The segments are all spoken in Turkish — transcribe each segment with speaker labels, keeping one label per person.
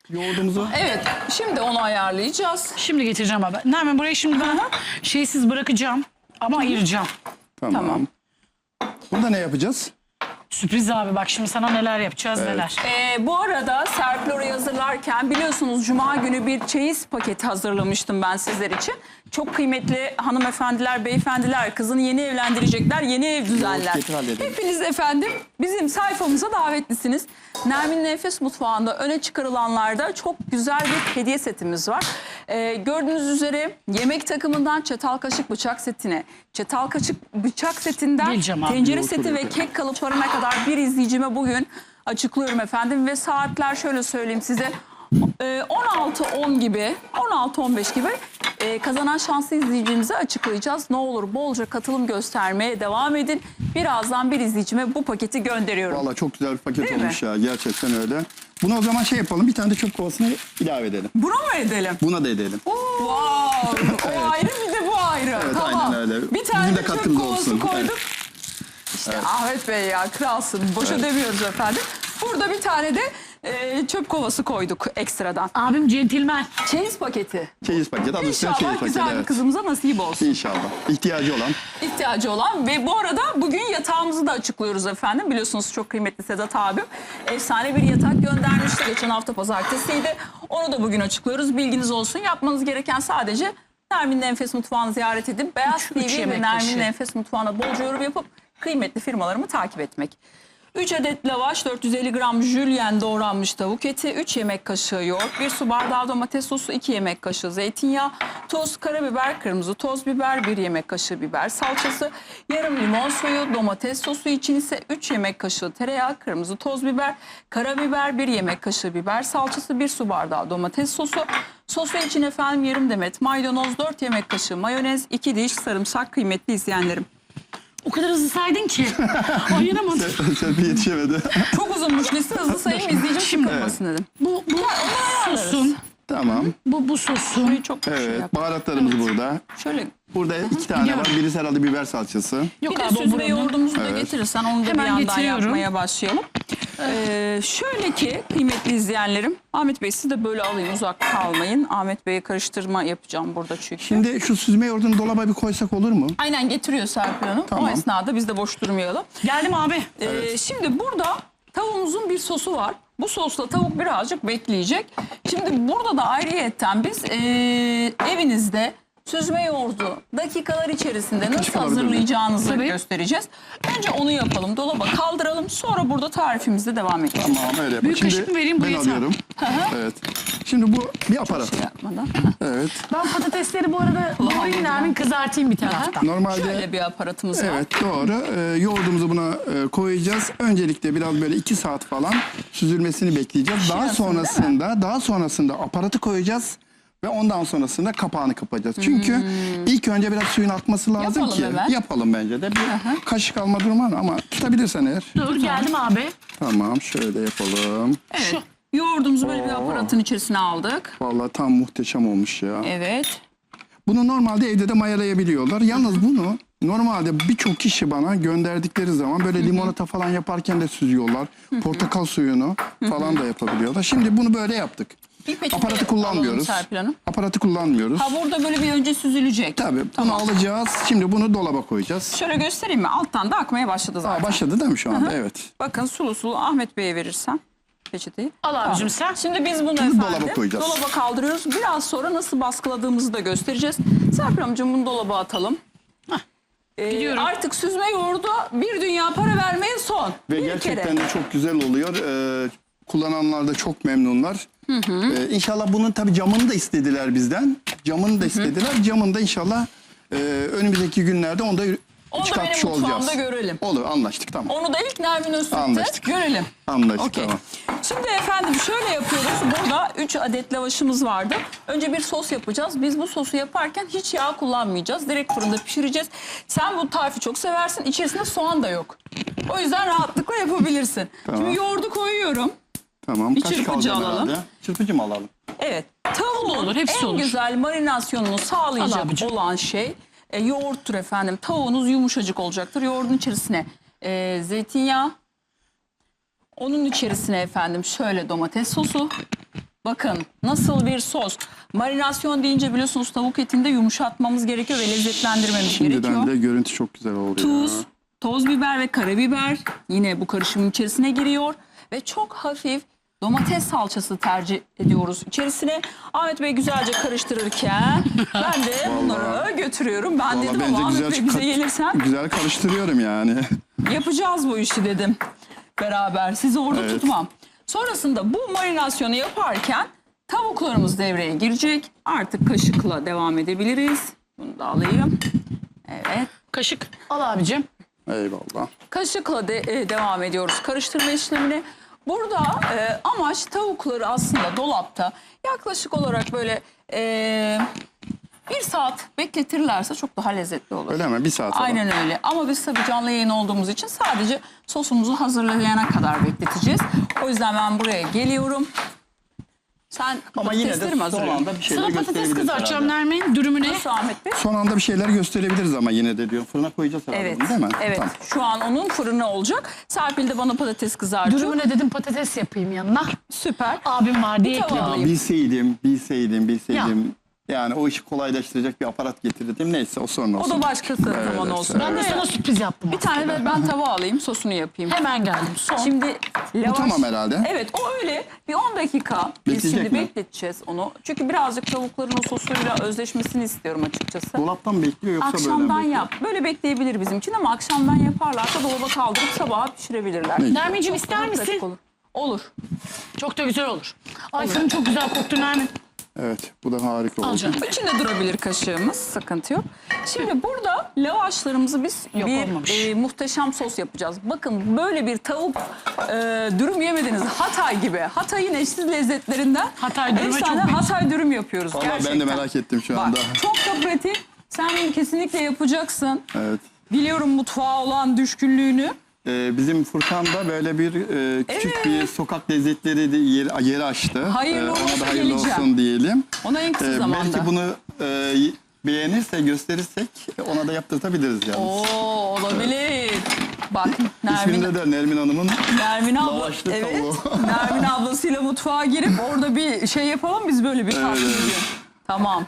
Speaker 1: yoğurdumuzu.
Speaker 2: Evet, şimdi onu ayarlayacağız.
Speaker 3: Şimdi getireceğim abi. Nermin burayı şimdi ben şeysiz bırakacağım ama ayıracağım.
Speaker 2: Tamam.
Speaker 1: Burada ne yapacağız?
Speaker 3: Sürpriz abi, bak şimdi sana neler yapacağız, neler.
Speaker 2: Bu arada Serpil orayı hazırlarken biliyorsunuz Cuma günü bir çeyiz paketi hazırlamıştım ben sizler için. Çok kıymetli hanımefendiler, beyefendiler, kızını yeni evlendirecekler, yeni ev düzenler.
Speaker 1: getir, halledelim.
Speaker 2: Hepiniz efendim bizim sayfamıza davetlisiniz. Nermin'in Enfes Mutfağı'nda öne çıkarılanlarda çok güzel bir hediye setimiz var. Gördüğünüz üzere yemek takımından çatal kaşık bıçak setine, çatal kaşık bıçak setinden
Speaker 3: Geleceğim abi.
Speaker 2: tencere seti ve kek kalıplarına kadar bir izleyicime bugün açıklıyorum efendim. Ve saatler şöyle söyleyeyim size, 16.10 gibi, 16.15 gibi kazanan şanslı izleyicimize açıklayacağız. Ne olur bolca katılım göstermeye devam edin. Birazdan bir izleyicime bu paketi gönderiyorum.
Speaker 1: Vallahi çok güzel bir paket
Speaker 2: Değil
Speaker 1: olmuş ya. Gerçekten öyle. Buna o zaman şey yapalım. Bir tane de çöp kovasını ilave edelim.
Speaker 2: Bunu mu edelim?
Speaker 1: Buna da edelim.
Speaker 2: Wow, o ayrı bir de bu ayrı.
Speaker 1: Evet,
Speaker 2: Tamam.
Speaker 1: aynen öyle.
Speaker 2: Bir tane
Speaker 1: Bizim de
Speaker 2: de çöp
Speaker 1: katkımız
Speaker 2: kovası
Speaker 1: olsun.
Speaker 2: koyduk. İşte Ahmet Bey ya, kralsın. Boşa demiyoruz efendim. Burada bir tane de çöp kovası koyduk ekstradan.
Speaker 3: Abim centilmen.
Speaker 2: Çeyiz paketi.
Speaker 1: Çeyiz paket. Adı üstüne çeyiz
Speaker 2: İnşallah
Speaker 1: paket.
Speaker 2: güzel bir
Speaker 1: Evet.
Speaker 2: kızımıza nasip olsun.
Speaker 1: İnşallah. İhtiyacı olan.
Speaker 2: İhtiyacı olan ve bu arada bugün yatağımızı da açıklıyoruz efendim. Biliyorsunuz çok kıymetli Sedat abim efsane bir yatak göndermişti. Geçen hafta pazartesiydi. Onu da bugün açıklıyoruz. Bilginiz olsun. Yapmanız gereken sadece Nermin'in Enfes Mutfağı'nı ziyaret edip Beyaz
Speaker 3: Üç
Speaker 2: TV ve
Speaker 3: yemek
Speaker 2: Nermin'in
Speaker 3: kaşığı.
Speaker 2: Enfes Mutfağı'na bolca yorum yapıp kıymetli firmalarımı takip etmek. 3 adet lavaş, 450 gram jülyen doğranmış tavuk eti, 3 yemek kaşığı yoğurt, 1 su bardağı domates sosu, 2 yemek kaşığı zeytinyağı, tuz, karabiber, kırmızı toz biber, 1 yemek kaşığı biber salçası, yarım limon suyu, domates sosu için ise 3 yemek kaşığı tereyağı, kırmızı toz biber, karabiber, 1 yemek kaşığı biber salçası, 1 su bardağı domates sosu, sosu için efendim yarım demet maydanoz, 4 yemek kaşığı mayonez, 2 diş sarımsak kıymetli izleyenlerim.
Speaker 3: O kadar hızlı saydın ki. Ayıramadım.
Speaker 1: Serpil yetişemedi.
Speaker 2: Çok uzunmuş liste, hızlı sayayım izleyicim sıkılmasın dedim.
Speaker 3: Bu sosun.
Speaker 1: Tamam.
Speaker 3: Bu sosun.
Speaker 2: Çok şey
Speaker 1: Evet.
Speaker 2: yap.
Speaker 1: Baharatlarımız burada.
Speaker 2: Şöyle
Speaker 1: Burada 2 tane var. Birisi herhalde biber salçası.
Speaker 3: Yok
Speaker 2: bir de
Speaker 3: abi, o
Speaker 2: süzme
Speaker 3: buranın.
Speaker 2: yoğurdumuzu da getirirsen onu da
Speaker 3: Hemen
Speaker 2: bir yandan
Speaker 3: getiriyorum.
Speaker 2: yapmaya başlayalım. Şöyle ki kıymetli izleyenlerim, Ahmet Bey siz de böyle alayım, uzak kalmayın. Ahmet Bey'e karıştırma yapacağım burada çünkü.
Speaker 1: Şimdi şu süzme yoğurdunu dolaba bir koysak olur mu?
Speaker 2: Aynen getiriyor Serpil Hanım. O
Speaker 1: Tamam.
Speaker 2: esnada biz de boş durmayalım.
Speaker 3: Geldim abi.
Speaker 2: Şimdi burada tavuğumuzun bir sosu var. Bu sosla tavuk birazcık bekleyecek. Şimdi burada da ayrıyetten biz evinizde süzme yoğurdu dakikalar içerisinde nasıl
Speaker 1: alabilir miyim?
Speaker 2: hazırlayacağınızı
Speaker 3: Tabii.
Speaker 2: göstereceğiz. Önce onu yapalım, dolaba kaldıralım. Sonra burada tarifimizde devam edelim.
Speaker 1: Tamam öyle yapalım.
Speaker 3: Büyük kaşık mı vereyim, bu
Speaker 1: ben
Speaker 3: yeter.
Speaker 1: alıyorum. Evet. Şimdi bu bir aparat.
Speaker 2: Yapmadan.
Speaker 1: Evet.
Speaker 3: Ben patatesleri bu arada doğrayayım, Nermin kızartayım bir taraftan.
Speaker 1: Normalde
Speaker 2: Şöyle bir aparatımız var.
Speaker 1: evet doğru. Yoğurdumuzu buna koyacağız. Öncelikle biraz böyle 2 saat falan süzülmesini bekleyeceğiz. Daha sonrasında aparatı koyacağız ve ondan sonrasında kapağını kapatacağız. Çünkü ilk önce biraz suyun akması lazım
Speaker 2: Yapalım
Speaker 1: ki.
Speaker 2: hemen.
Speaker 1: Yapalım bence de. Bir kaşık alma durumu var ama tutabilirsen eğer.
Speaker 3: Dur geldim abi.
Speaker 1: Tamam şöyle yapalım.
Speaker 2: Evet. Yoğurdumuzu böyle bir aparatın içerisine aldık.
Speaker 1: Vallahi tam muhteşem olmuş ya.
Speaker 2: Evet.
Speaker 1: Bunu normalde evde de mayalayabiliyorlar. Yalnız bunu normalde birçok kişi bana gönderdikleri zaman böyle limonata falan yaparken de süzüyorlar. Portakal suyunu falan da yapabiliyorlar. Şimdi bunu böyle yaptık.
Speaker 2: Bir peçete
Speaker 1: Aparatı
Speaker 2: alalım
Speaker 1: kullanmıyoruz.
Speaker 2: Serpil Hanım.
Speaker 1: Aparatı kullanmıyoruz.
Speaker 2: Ha, burada böyle bir önce süzülecek.
Speaker 1: Tabii bunu alacağız. Şimdi bunu dolaba koyacağız.
Speaker 2: Şöyle göstereyim mi? Alttan da akmaya başladı zaten.
Speaker 1: Başladı değil mi şu anda? Evet.
Speaker 2: Bakın sulu sulu Ahmet Bey'e verirsen peçeteyi.
Speaker 3: Al abicim sen.
Speaker 2: Şimdi biz bunu
Speaker 1: Şimdi
Speaker 2: efendim
Speaker 1: dolaba koyacağız.
Speaker 2: dolaba kaldırıyoruz. Biraz sonra nasıl baskıladığımızı da göstereceğiz. Serpil amcığım bunu dolaba atalım.
Speaker 3: Gidiyorum.
Speaker 2: Artık süzme yoğurdu bir dünya para vermeye son.
Speaker 1: Ve
Speaker 2: bir
Speaker 1: gerçekten
Speaker 2: kere.
Speaker 1: de çok güzel oluyor. Kullananlar da çok memnunlar. İnşallah bunun tabii camını da istediler bizden. Camını da istediler. Camını da inşallah önümüzdeki günlerde onu da
Speaker 2: Onu da
Speaker 1: çıkartmış
Speaker 2: benim
Speaker 1: olacağız.
Speaker 2: mutfağımda görelim.
Speaker 1: Olur anlaştık tamam.
Speaker 2: Onu da ilk Nermin Öztürk'te
Speaker 1: Anlaştık.
Speaker 2: görelim.
Speaker 1: Anlaştık
Speaker 2: Okey.
Speaker 1: tamam.
Speaker 2: Şimdi efendim şöyle yapıyoruz. Burada 3 adet lavaşımız vardı. Önce bir sos yapacağız. Biz bu sosu yaparken hiç yağ kullanmayacağız. Direkt fırında pişireceğiz. Sen bu tarifi çok seversin. İçerisinde soğan da yok. O yüzden rahatlıkla yapabilirsin.
Speaker 1: Tamam.
Speaker 2: Şimdi yoğurdu koyuyorum.
Speaker 1: Tamam.
Speaker 2: Bir
Speaker 1: Kaşık
Speaker 2: çırpıcı
Speaker 1: alacağım
Speaker 2: alalım.
Speaker 1: herhalde. Çırpıcı mı alalım?
Speaker 2: Evet. Tavuğun
Speaker 3: Olur, hepsi
Speaker 2: en
Speaker 3: olur.
Speaker 2: güzel marinasyonunu
Speaker 3: Al
Speaker 2: sağlayacak
Speaker 3: abicim.
Speaker 2: olan şey yoğurttur efendim. Tavuğunuz yumuşacık olacaktır. Yoğurdun içerisine zeytinyağı. Onun içerisine efendim şöyle domates sosu. Bakın nasıl bir sos. Marinasyon deyince biliyorsunuz tavuk etinde yumuşatmamız gerekiyor ve lezzetlendirmemiz
Speaker 1: Şimdiden
Speaker 2: gerekiyor.
Speaker 1: bile görüntü çok güzel oldu
Speaker 2: Tuz,
Speaker 1: ya.
Speaker 2: toz biber ve karabiber yine bu karışımın içerisine giriyor. Ve çok hafif domates salçası tercih ediyoruz içerisine. Ahmet Bey güzelce karıştırırken ben de bunları götürüyorum. Ben
Speaker 1: Vallahi
Speaker 2: dedim
Speaker 1: bence
Speaker 2: ama Ahmet
Speaker 1: güzel
Speaker 2: Bey bize gelirsen
Speaker 1: güzel karıştırıyorum yani.
Speaker 2: yapacağız bu işi dedim beraber. Sizi orada
Speaker 1: Evet.
Speaker 2: tutmam. Sonrasında bu marinasyonu yaparken tavuklarımız devreye girecek. Artık kaşıkla devam edebiliriz. Bunu da alayım. Evet.
Speaker 3: Kaşık al abicim.
Speaker 1: Eyvallah.
Speaker 2: Kaşıkla devam ediyoruz karıştırma işlemine. Burada amaç tavukları aslında dolapta yaklaşık olarak böyle 1 saat bekletirlerse çok daha lezzetli olur.
Speaker 1: Öyle mi? 1 saat falan.
Speaker 2: Aynen öyle. Ama biz tabii canlı yayın olduğumuz için sadece sosumuzu hazırlayana kadar bekleteceğiz. O yüzden ben buraya geliyorum. Sen
Speaker 1: Ama yine de
Speaker 2: patatesleri mi
Speaker 1: son
Speaker 2: hazırlıyorsun?
Speaker 1: anda bir şeyler
Speaker 3: Sana patates
Speaker 1: gösterebiliriz
Speaker 3: kızartacağım
Speaker 1: herhalde.
Speaker 3: Nermin. Dürümüne.
Speaker 2: Nasıl Ahmet Bey?
Speaker 1: Son anda bir şeyler gösterebiliriz ama yine de diyor. Fırına koyacağız herhalde
Speaker 2: Evet.
Speaker 1: bunu, değil mi?
Speaker 2: Evet.
Speaker 1: Tamam.
Speaker 2: Şu an onun fırını olacak. Serpil de bana patates kızartıyor.
Speaker 3: Dürümüne dedim patates yapayım yanına.
Speaker 2: Süper.
Speaker 3: Abim var diye
Speaker 2: Bir tava
Speaker 3: ekledim.
Speaker 2: alayım.
Speaker 1: Bilseydim. Yani o işi kolaylaştıracak bir aparat getirdim. Neyse o sonra olsun.
Speaker 2: O da başkası zaman olsun.
Speaker 3: Ben de sana sürpriz yaptım.
Speaker 2: Bir tane de ben tava alayım, sosunu yapayım.
Speaker 3: Hemen geldim. Son.
Speaker 2: Şimdi lavaş...
Speaker 1: tamam herhalde.
Speaker 2: Evet, o öyle. Bir 10 dakika biz
Speaker 1: Bekleyecek
Speaker 2: şimdi
Speaker 1: mi?
Speaker 2: bekleteceğiz onu. Çünkü birazcık tavukların o sosuyla özleşmesini istiyorum açıkçası.
Speaker 1: Dolaptan mı bekliyor yoksa böyle mi
Speaker 2: Akşamdan
Speaker 1: bekliyor?
Speaker 2: yap. Böyle bekleyebilir bizim için ama akşamdan yaparlarsa dolaba kaldırıp sabaha pişirebilirler.
Speaker 1: Ne?
Speaker 3: Nermin'cim ister
Speaker 2: Çok pratik
Speaker 3: misin?
Speaker 2: olur. Olur.
Speaker 3: Çok da güzel olur. Ay senin çok güzel koktu Nermin.
Speaker 1: Evet bu da harika oldu.
Speaker 3: Alacağım.
Speaker 2: İçinde durabilir kaşığımız. Sıkıntı yok. Şimdi burada lavaşlarımızı biz
Speaker 3: Yok,
Speaker 2: bir
Speaker 3: olmamış.
Speaker 2: muhteşem sos yapacağız. Bakın böyle bir tavuk dürüm yemediniz. Hatay gibi. Hatay'ın eşsiz lezzetlerinden.
Speaker 3: Hatay dürüme
Speaker 2: efsane
Speaker 3: çok benziyor.
Speaker 2: Hatay dürüm yapıyoruz
Speaker 1: Vallahi
Speaker 2: gerçekten.
Speaker 1: ben de merak ettim şu
Speaker 2: Bak,
Speaker 1: anda.
Speaker 2: çok da pratik. Sen bunu kesinlikle yapacaksın.
Speaker 1: Evet.
Speaker 2: Biliyorum mutfağa olan düşkünlüğünü.
Speaker 1: Bizim Furkan'da böyle bir küçük
Speaker 2: Evet.
Speaker 1: bir sokak lezzetleri de yeri açtı.
Speaker 2: Hayırlı
Speaker 1: Ona
Speaker 2: olsun
Speaker 1: da hayırlı
Speaker 2: geleceğim.
Speaker 1: olsun diyelim.
Speaker 2: Ona en kısa zamanda.
Speaker 1: Belki bunu beğenirse, gösterirsek ona da yaptırtabiliriz yalnız.
Speaker 2: Oo, olabilir. Bak
Speaker 1: İsminde de Nermin Hanım'ın
Speaker 2: Nermin abla,
Speaker 1: lavaşlı
Speaker 2: evet.
Speaker 1: tavuğu.
Speaker 2: Nermin ablasıyla mutfağa girip orada bir şey yapalım biz böyle bir tatlı
Speaker 1: Evet.
Speaker 2: gün. Tamam.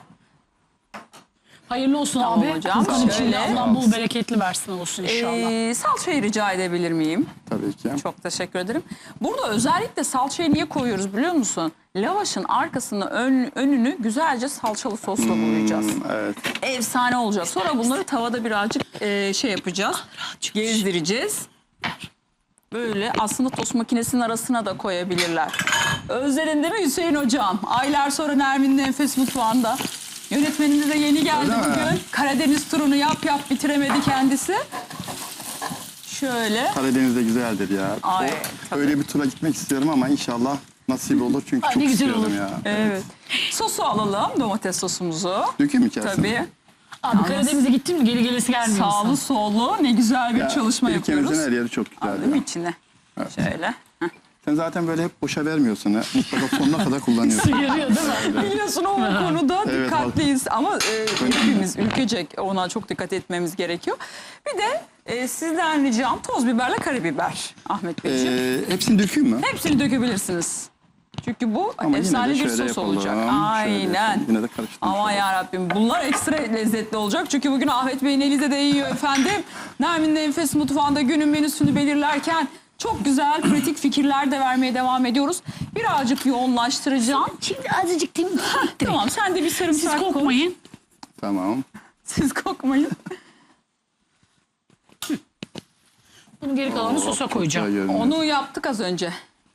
Speaker 3: Hayırlı olsun
Speaker 2: Tamam
Speaker 3: abi.
Speaker 2: hocam,
Speaker 3: Furkan için
Speaker 2: şöyle.
Speaker 3: de Allah bol bereketli versin olsun inşallah.
Speaker 2: Salçayı rica edebilir miyim?
Speaker 1: Tabii ki.
Speaker 2: Çok teşekkür ederim. Burada özellikle salçayı niye koyuyoruz biliyor musun? Lavaşın arkasını önünü güzelce salçalı sosla boyayacağız.
Speaker 1: Evet.
Speaker 2: Efsane olacak. Sonra bunları tavada birazcık şey yapacağız. Gezdireceğiz. Böyle aslında tost makinesinin arasına da koyabilirler. Özledin değil mi Hüseyin hocam? Aylar sonra Nermin'in Enfes Mutfağı'nda. Yönetmenimiz de yeni geldi
Speaker 1: Öyle mi?
Speaker 2: bugün. Karadeniz turunu yap bitiremedi kendisi. Şöyle.
Speaker 1: Karadeniz'de güzeldir ya.
Speaker 2: Ay, tabii.
Speaker 1: Öyle bir tura gitmek istiyorum ama inşallah nasip olur çünkü
Speaker 3: Ay,
Speaker 1: çok
Speaker 3: ne güzel
Speaker 1: istiyorum
Speaker 3: olur.
Speaker 1: ya.
Speaker 2: Evet. Sosu alalım. Domates sosumuzu.
Speaker 1: Dökeyim mi içerisine?
Speaker 2: Tabii.
Speaker 3: Abi Karadeniz'e gittin mi geri gelesi gelmiyor
Speaker 2: Sağlı
Speaker 3: insan.
Speaker 2: sollu ne güzel bir
Speaker 1: Ya,
Speaker 2: çalışma
Speaker 1: ülkemizin
Speaker 2: yapıyoruz.
Speaker 1: her yeri çok güzel
Speaker 2: Alayım
Speaker 1: ya.
Speaker 2: içine. Şöyle.
Speaker 1: Sen zaten böyle hep boşa vermiyorsun ha. Mutlaka sonuna kadar kullanıyorsun.
Speaker 3: Yarıyor değil mi?
Speaker 2: Biliyorsun o konuda
Speaker 1: Evet,
Speaker 2: dikkatliyiz ama hepimiz ülkecek ona çok dikkat etmemiz gerekiyor. Bir de sizden ricam toz biberle karabiber Ahmet Beyciğim.
Speaker 1: Hepsini dökeyim mü?
Speaker 2: Hepsini dökebilirsiniz. Çünkü bu
Speaker 1: Ama
Speaker 2: efsane
Speaker 1: yine de
Speaker 2: bir
Speaker 1: şöyle
Speaker 2: sos
Speaker 1: yapalım.
Speaker 2: olacak.
Speaker 1: Şöyle
Speaker 2: Aynen.
Speaker 1: yapalım. Yine de karıştırmış
Speaker 2: Aman
Speaker 1: olalım.
Speaker 2: yarabbim bunlar ekstra lezzetli olacak. Çünkü bugün Ahmet Bey'in eli de değiyor efendim. Nermin'in Enfes Mutfağı'nda günün menüsünü belirlerken çok güzel pratik fikirler de vermeye devam ediyoruz. Birazcık yoğunlaştıracağım.
Speaker 3: Şimdi azıcık değil mi?
Speaker 2: Tamam sen de bir sarımsak
Speaker 3: Siz
Speaker 2: koy.
Speaker 3: kokmayın.
Speaker 1: Tamam.
Speaker 2: Siz kokmayın.
Speaker 3: Bunun geri kalanını sosa koyacağım.
Speaker 1: Güzel görünüyor.
Speaker 2: Onu yaptık az önce.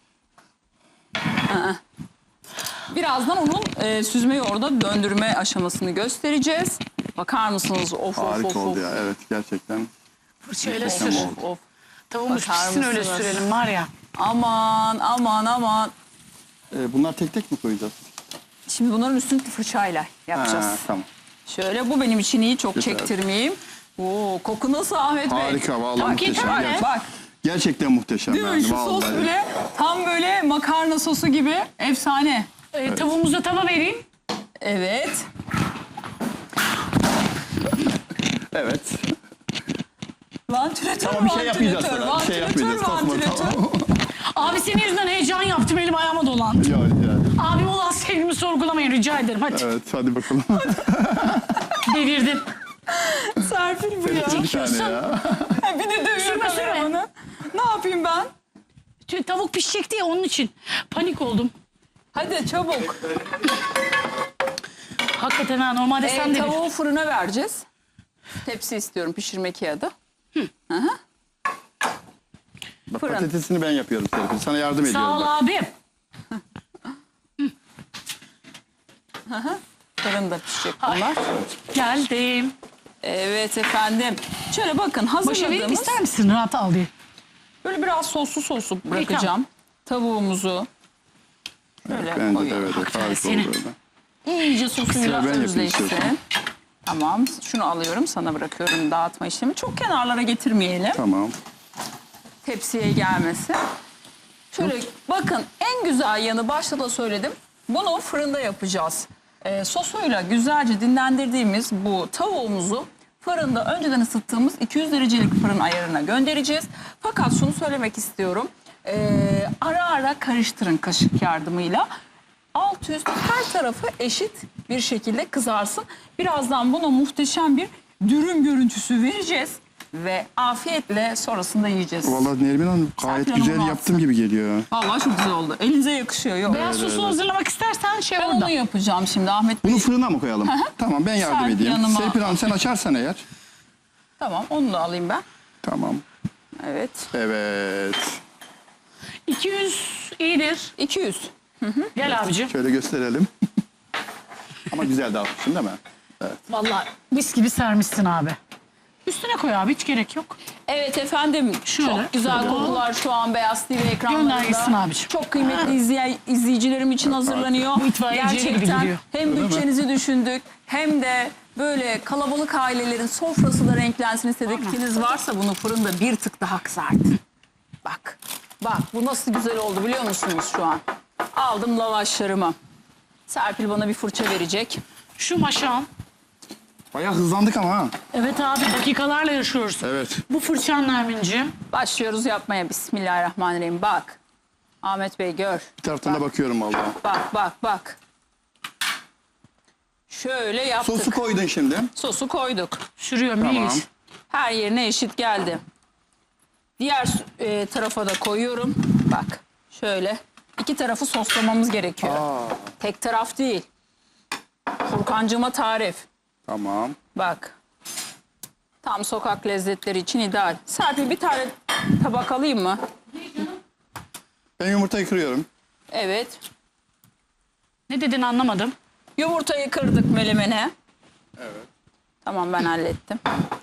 Speaker 2: Aa. Birazdan onun süzme yoğurda döndürme aşamasını göstereceğiz. Bakar mısınız? Of
Speaker 1: Harika
Speaker 2: of of.
Speaker 1: oldu ya. Evet gerçekten.
Speaker 3: Fırçayla
Speaker 1: Of,
Speaker 3: sür.
Speaker 2: Of of.
Speaker 3: Tavuğumuz
Speaker 2: Bakar
Speaker 3: pişsin öyle
Speaker 2: mısınız?
Speaker 3: sürelim var ya.
Speaker 2: Aman aman aman.
Speaker 1: Bunlar tek tek mi koyacağız?
Speaker 2: Şimdi bunların üstünü fırçayla yapacağız.
Speaker 1: Ha, tamam.
Speaker 2: Şöyle bu benim için iyi çok
Speaker 1: Güzel.
Speaker 2: çektirmeyeyim. Oo, koku nasıl Ahmet Bey?
Speaker 1: Harika vallahi
Speaker 2: Bak,
Speaker 1: muhteşem.
Speaker 2: bak,
Speaker 1: Gerçekten.
Speaker 2: bak.
Speaker 1: Gerçekten muhteşem.
Speaker 2: Değil mi?
Speaker 1: yani,
Speaker 2: Şu sos
Speaker 1: vallahi.
Speaker 2: bile tam böyle makarna sosu gibi efsane.
Speaker 3: Tavuğumuza tava vereyim.
Speaker 2: Evet.
Speaker 1: Evet.
Speaker 2: Vantilatör,
Speaker 1: Tamam bir şey yapmayacağız
Speaker 2: vantilatör,
Speaker 1: sana. Bir şey
Speaker 2: vantilatör,
Speaker 1: yapmayacağız. Korkma
Speaker 2: vantilatör.
Speaker 1: tamam.
Speaker 3: Abi senin yüzünden heyecan yaptım elim ayağıma dolandı.
Speaker 1: Ya,
Speaker 3: Abim olan sevgimi sorgulamayın rica ederim. Hadi
Speaker 1: Evet hadi bakalım.
Speaker 3: devirdin.
Speaker 2: Serpil bu ya.
Speaker 1: Bir tane ya.
Speaker 2: Bir de dövüyor
Speaker 3: Sürme, sürme.
Speaker 2: kameramanı. Ne yapayım ben?
Speaker 3: Tavuk pişecek diye onun için panik oldum.
Speaker 2: Hadi çabuk.
Speaker 3: Hakikaten ha normalde sen de
Speaker 2: Tavuğu fırına vereceğiz. Tepsi istiyorum pişirme kağıdı.
Speaker 1: Bak,
Speaker 2: Fırın.
Speaker 1: patatesini ben yapıyorum Serpil. Sana yardım ediyorum.
Speaker 3: Sağ ol
Speaker 1: bak.
Speaker 3: abim.
Speaker 2: Fırında pişecek bunlar.
Speaker 3: Geldim.
Speaker 2: Evet efendim. Şöyle bakın
Speaker 3: Başa vereyim
Speaker 2: hazırladığımız
Speaker 3: ister misin rahat al diye.
Speaker 2: böyle biraz soslu bırakacağım. Tavuğumuzu şöyle
Speaker 1: Bence de
Speaker 2: koyuyorum.
Speaker 1: evet. Harika oldu
Speaker 3: Senin.
Speaker 1: böyle.
Speaker 2: İyice sosuyla
Speaker 1: Sıra ben yapayım
Speaker 2: özleşsin.
Speaker 1: istiyorsan.
Speaker 2: Tamam. Şunu alıyorum. Sana bırakıyorum dağıtma işlemi. Çok kenarlara getirmeyelim.
Speaker 1: Tamam.
Speaker 2: Tepsiye gelmesi. Şöyle bakın en güzel yanı başta da söyledim. Bunu fırında yapacağız. Sosuyla güzelce dinlendirdiğimiz bu tavuğumuzu fırında önceden ısıttığımız 200 derecelik fırın ayarına göndereceğiz. Fakat şunu söylemek istiyorum. Ara ara karıştırın kaşık yardımıyla. Alt üst her tarafı eşit bir şekilde kızarsın. Birazdan buna muhteşem bir dürüm görüntüsü vereceğiz. Ve afiyetle sonrasında yiyeceğiz.
Speaker 1: Vallahi Nermin Hanım gayet
Speaker 2: Serpil
Speaker 1: güzel
Speaker 2: Hanım'ın
Speaker 1: yaptım gibi geliyor.
Speaker 2: Vallahi çok güzel oldu. Elinize yakışıyor. Yok.
Speaker 3: Beyaz sosu hazırlamak istersen şey
Speaker 2: Ben
Speaker 3: orada.
Speaker 2: onu yapacağım şimdi Ahmet Bey.
Speaker 1: Bunu fırına mı koyalım? Tamam ben yardım
Speaker 2: Serpil
Speaker 1: edeyim.
Speaker 2: yanıma-
Speaker 1: Serpil Hanım sen açarsan eğer.
Speaker 2: Tamam onu da alayım ben.
Speaker 1: Tamam.
Speaker 2: Evet.
Speaker 1: Evet.
Speaker 3: 200 iyidir.
Speaker 2: 200.
Speaker 3: Gel abicim.
Speaker 1: Şöyle gösterelim. Ama güzel dağıtmışsın değil mi?
Speaker 3: Vallahi mis gibi sermişsin abi. Üstüne koy abi hiç gerek yok.
Speaker 2: Evet efendim.
Speaker 3: Şöyle.
Speaker 2: Çok güzel kokular şu an Beyaz TV ekranlarında.
Speaker 3: Gönder gitsin abiciğim.
Speaker 2: Çok kıymetli izleyicilerim için hazırlanıyor.
Speaker 3: Bu itfaiyeciye gibi
Speaker 2: Gerçekten
Speaker 3: gidiyor.
Speaker 2: hem bütçenizi düşündük hem de böyle kalabalık ailelerin sofrası da renklensin istedikleriniz varsa bunu fırında bir tık daha kızartın. Bak. Bak bu nasıl güzel oldu biliyor musunuz şu an? Aldım lavaşlarımı. Serpil bana bir fırça verecek.
Speaker 3: Şu maşam.
Speaker 1: Bayağı hızlandık ama ha.
Speaker 3: Evet abi dakikalarla yaşıyoruz.
Speaker 1: Evet.
Speaker 3: Bu fırçan Nermin'ciğim.
Speaker 2: Başlıyoruz yapmaya. Bismillahirrahmanirrahim. Bak. Ahmet Bey gör.
Speaker 1: Bir taraftan da bakıyorum vallahi.
Speaker 2: Bak bak bak. Şöyle yaptık.
Speaker 1: Sosu koydun şimdi.
Speaker 2: Sosu koyduk.
Speaker 3: Sürüyor
Speaker 1: Tamam.
Speaker 3: mis.
Speaker 2: Her yerine eşit geldi. Diğer tarafa da koyuyorum. Bak şöyle. İki tarafı soslamamız gerekiyor. Tek taraf değil. Furkancığıma tarif.
Speaker 1: Tamam.
Speaker 2: Bak. Tam sokak lezzetleri için ideal. Serpil bir tane tabak alayım mı?
Speaker 1: Ben yumurtayı kırıyorum.
Speaker 2: Evet.
Speaker 3: Ne dedin anlamadım.
Speaker 2: Yumurtayı kırdık melemene. Evet. Tamam ben hallettim.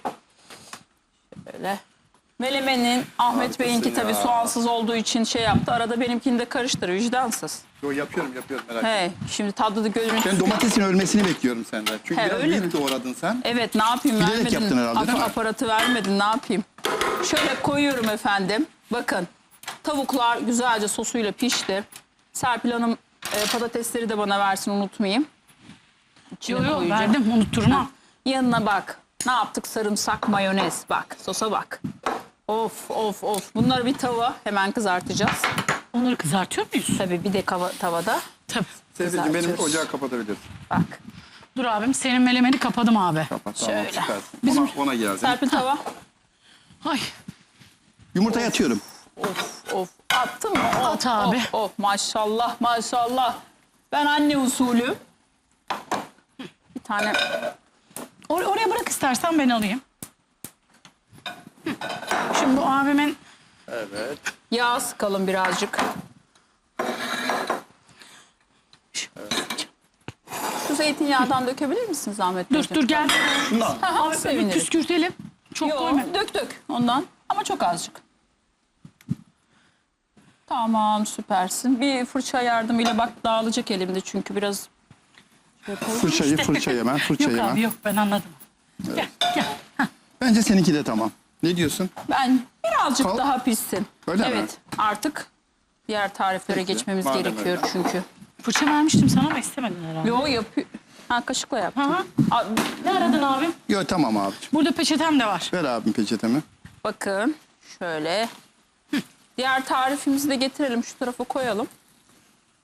Speaker 2: Şöyle. Melemenin Ahmet
Speaker 1: Harikasın
Speaker 2: Bey'inki tabii
Speaker 1: ya.
Speaker 2: soğansız olduğu için şey yaptı. Arada benimkini de karıştır vicdansız.
Speaker 1: Yo yapıyorum merak etme.
Speaker 2: Hey, şimdi tatlı da görüntüsü.
Speaker 1: Ben domatesin ölmesini bekliyorum senden. Çünkü
Speaker 2: He,
Speaker 1: biraz
Speaker 2: öyle
Speaker 1: büyük doğradın sen.
Speaker 2: Evet ne yapayım
Speaker 1: Bilerek
Speaker 2: vermedin.
Speaker 1: yaptın herhalde, değil mi?
Speaker 2: Aparatı vermedin ne yapayım. Şöyle koyuyorum efendim. Bakın tavuklar güzelce sosuyla pişti. Serpil Hanım patatesleri de bana versin unutmayayım. İçine
Speaker 3: Yo yo
Speaker 2: koyacağım.
Speaker 3: verdim unutturma.
Speaker 2: Yanına bak. Ne yaptık? Sarımsak, mayonez. Bak sosa bak. Of of of. Bunları bir tava hemen kızartacağız.
Speaker 3: Onları kızartıyor muyuz?
Speaker 2: Tabii bir de tavada.
Speaker 3: Tabii.
Speaker 1: Serpil'cim benim
Speaker 2: Kızartıyoruz.
Speaker 1: ocağı kapatabilirsin.
Speaker 2: Bak.
Speaker 3: Dur abim senin melemeni kapadım abi.
Speaker 1: Kapat tamam
Speaker 2: Şöyle.
Speaker 1: süpersin. Ona geldim.
Speaker 2: Serpil tava.
Speaker 3: Ay
Speaker 1: Yumurtayı atıyorum.
Speaker 2: Of of. Attın mı? Of,
Speaker 3: At abi.
Speaker 2: Of, of. Maşallah maşallah. Ben anne usulü. Bir tane.
Speaker 3: oraya bırak istersen ben alayım. Hı. Şimdi bu abimin
Speaker 1: Evet.
Speaker 2: Yağ sıkalım birazcık. Şu zeytinyağından dökebilir misiniz Ahmet Bey?
Speaker 3: dur gel.
Speaker 1: Şundan.
Speaker 3: Abi
Speaker 2: sevinirim.
Speaker 3: püskürtelim. Çok koyma.
Speaker 2: Yok dök ondan ama çok azıcık. Tamam süpersin. Bir fırça yardımıyla bak dağılacak elimde çünkü biraz.
Speaker 1: Fırçayı hemen. Fırçayı
Speaker 3: Yok
Speaker 1: hemen.
Speaker 3: abi yok ben anladım. Gel gel.
Speaker 1: Bence seninki de tamam. Ne diyorsun?
Speaker 2: Ben birazcık
Speaker 1: Kal-
Speaker 2: daha pişsin.
Speaker 1: Öyle mi?
Speaker 2: Evet artık diğer tariflere
Speaker 1: Peki,
Speaker 2: geçmemiz
Speaker 1: madem
Speaker 2: gerekiyor
Speaker 1: öyle.
Speaker 2: çünkü.
Speaker 3: Fırça vermiştim sana ama istemedin herhalde.
Speaker 2: Yo yapıyor. Ha kaşıkla yaptım.
Speaker 3: Hı hı.
Speaker 2: Aa,
Speaker 3: Ne aradın abim?
Speaker 1: Yok tamam abicim.
Speaker 3: Burada peçetem de var.
Speaker 1: Ver abim peçetemi.
Speaker 2: bakın şöyle. Diğer tarifimizi de getirelim şu tarafa koyalım.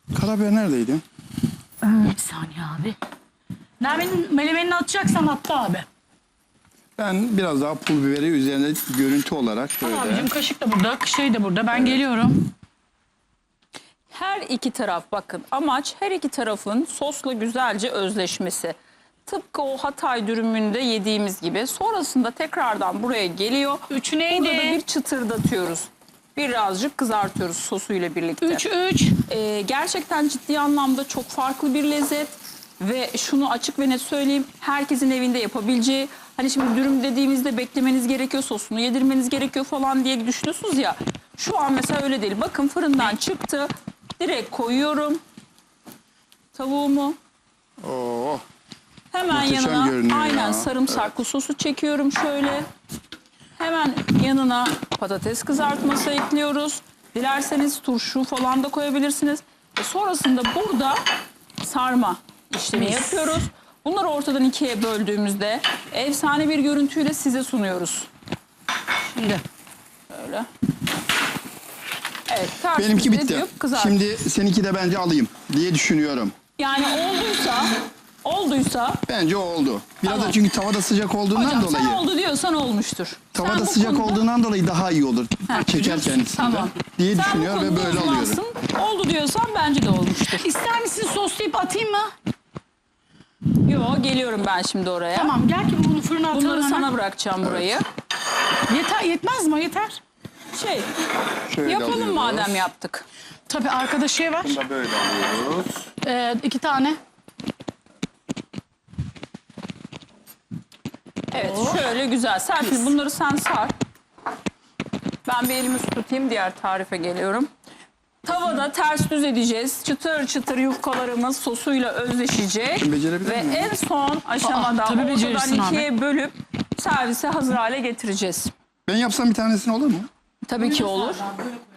Speaker 1: Karabiber neredeydi?
Speaker 3: Bir saniye abi. Nermin'in melemenini atacaksan attı abi.
Speaker 1: Ben biraz daha pul biberi üzerine görüntü olarak şöyle.
Speaker 3: Abicim kaşık da burada, şey de burada. Ben geliyorum.
Speaker 2: Her iki taraf bakın amaç her iki tarafın sosla güzelce özleşmesi. Tıpkı o Hatay dürümünde yediğimiz gibi. Sonrasında tekrardan buraya geliyor.
Speaker 3: Üç
Speaker 2: Burada da
Speaker 3: neydi?
Speaker 2: bir çıtırdatıyoruz. Birazcık kızartıyoruz sosuyla birlikte.
Speaker 3: 3.
Speaker 2: Gerçekten ciddi anlamda çok farklı bir lezzet. Ve şunu açık ve net söyleyeyim. Herkesin evinde yapabileceği. Hani şimdi dürüm dediğimizde beklemeniz gerekiyor, sosunu yedirmeniz gerekiyor falan diye düşünüyorsunuz ya. Şu an mesela öyle değil. Bakın fırından çıktı. Direkt koyuyorum tavuğumu.
Speaker 1: Oo.
Speaker 2: Hemen
Speaker 1: Muhteşem
Speaker 2: yanına
Speaker 1: görünüyor
Speaker 2: aynen
Speaker 1: ya.
Speaker 2: sarımsaklı sosu çekiyorum şöyle. Hemen yanına patates kızartması ekliyoruz. Dilerseniz turşu falan da koyabilirsiniz. Sonrasında burada sarma işlemi yapıyoruz. Bunları ortadan ikiye böldüğümüzde efsane bir görüntüyle size sunuyoruz.
Speaker 3: Şimdi.
Speaker 2: Böyle. Evet, ters
Speaker 1: Benimki
Speaker 2: yüz
Speaker 1: bitti.
Speaker 2: edip kızart.
Speaker 1: Şimdi seninki de bence alayım diye düşünüyorum.
Speaker 2: Yani olduysa
Speaker 1: Bence o oldu. Biraz
Speaker 2: Tamam.
Speaker 1: da çünkü tavada sıcak olduğundan
Speaker 2: hocam
Speaker 1: dolayı.
Speaker 2: sen oldu diyorsan olmuştur. Sen
Speaker 1: Tavada
Speaker 2: bu
Speaker 1: sıcak
Speaker 2: konuda-
Speaker 1: olduğundan dolayı daha iyi olur. Çeker kendisinde
Speaker 2: Tamam.
Speaker 1: diye
Speaker 2: Sen bu
Speaker 1: düşünüyor ve
Speaker 2: konuda
Speaker 1: böyle alıyorum.
Speaker 2: uzmansın. Oldu diyorsan bence de olmuştur.
Speaker 3: İster misin soslayıp atayım mı?
Speaker 2: Yo geliyorum ben şimdi oraya.
Speaker 3: Tamam gel ki bunu fırına atalım.
Speaker 2: Bunları
Speaker 3: hemen.
Speaker 2: sana bırakacağım burayı.
Speaker 3: Yetmez mi? Yeter.
Speaker 1: Şöyle
Speaker 2: Yapalım
Speaker 1: alıyoruz.
Speaker 2: madem yaptık.
Speaker 3: Tabii arkada şey var.
Speaker 1: Bunu da böyle alıyoruz.
Speaker 3: 2 tane.
Speaker 2: Evet şöyle güzel. Serpil bunları sen sar. Ben bir elimi su tutayım diğer tarife geliyorum. Tavada ters düz edeceğiz. Çıtır çıtır yufkalarımız sosuyla özleşecek.
Speaker 1: Ben becerebilir
Speaker 2: Ve
Speaker 1: miyim?
Speaker 2: en son aşamada
Speaker 3: tabii becerirsin
Speaker 2: ortadan
Speaker 3: abi.
Speaker 2: ikiye bölüp servise hazır hale getireceğiz.
Speaker 1: Ben yapsam bir tanesini olur mu?
Speaker 2: Tabii ki olur.
Speaker 3: Böyle